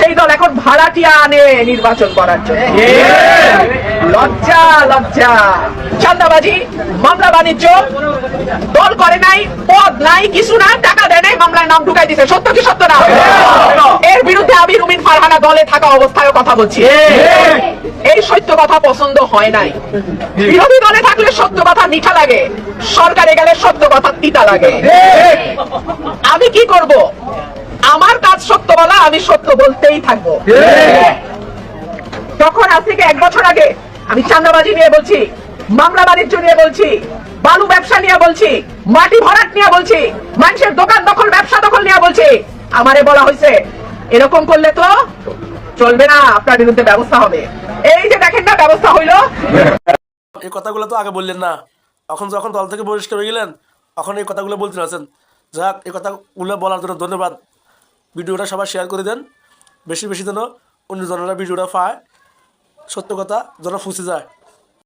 সেই দল এখন ভাড়াটিয়া আনে নির্বাচন করার জন্য। লজ্জা লজ্জা। চাঁদাবাজি, মামলা বাণিজ্য, দল করে নাই, পদ নাই, কিছু না, টাকা দেয় নাই, মামলায় নাম ঢুকাই দিছে। সত্য কি সত্য না? এর বিরুদ্ধে আমি রুমিন ফারহানা দলে থাকা অবস্থায় কথা বলছি। এই সত্য কথা পছন্দ হয় নাই। বিরোধী দলে থাকলে সত্য কথা মিঠা লাগে, সরকারে গেলে সত্য কথা তিতা লাগে। আমি কি করব? আমার কাজ সত্য বলা, আমি সত্য বলতেই থাকবো। তখন আজ থেকে 1 বছর আগে আমি চাঁদাবাজি নিয়ে বলছি, মামলা বাণিজ্য নিয়ে বলছি, বালু ব্যবসা নিয়ে বলছি, মাটি ভরাট নিয়ে বলছি, মানুষের দোকান দখল, ব্যবসা দখল নিয়ে বলছি। আমারে বলা হয়েছে এরকম করলে তো চলবে না, আপনার বিরুদ্ধে ব্যবস্থা হবে। এই যে দেখেন না, ব্যবস্থা হইল। এই কথাগুলো তো আগে বললেন না, এখন যখন দল থেকে বহিষ্কার হয়ে গেলেন এখন এই কথাগুলো বলতে আছেন। যাক, এই কথাগুলো বলার জন্য ধন্যবাদ। ভিডিওটা সবাই শেয়ার করে দেন, বেশি বেশি যেন অন্য জনেরা ভিডিওটা পায়, সত্য কথা যেন ফুসে যায়।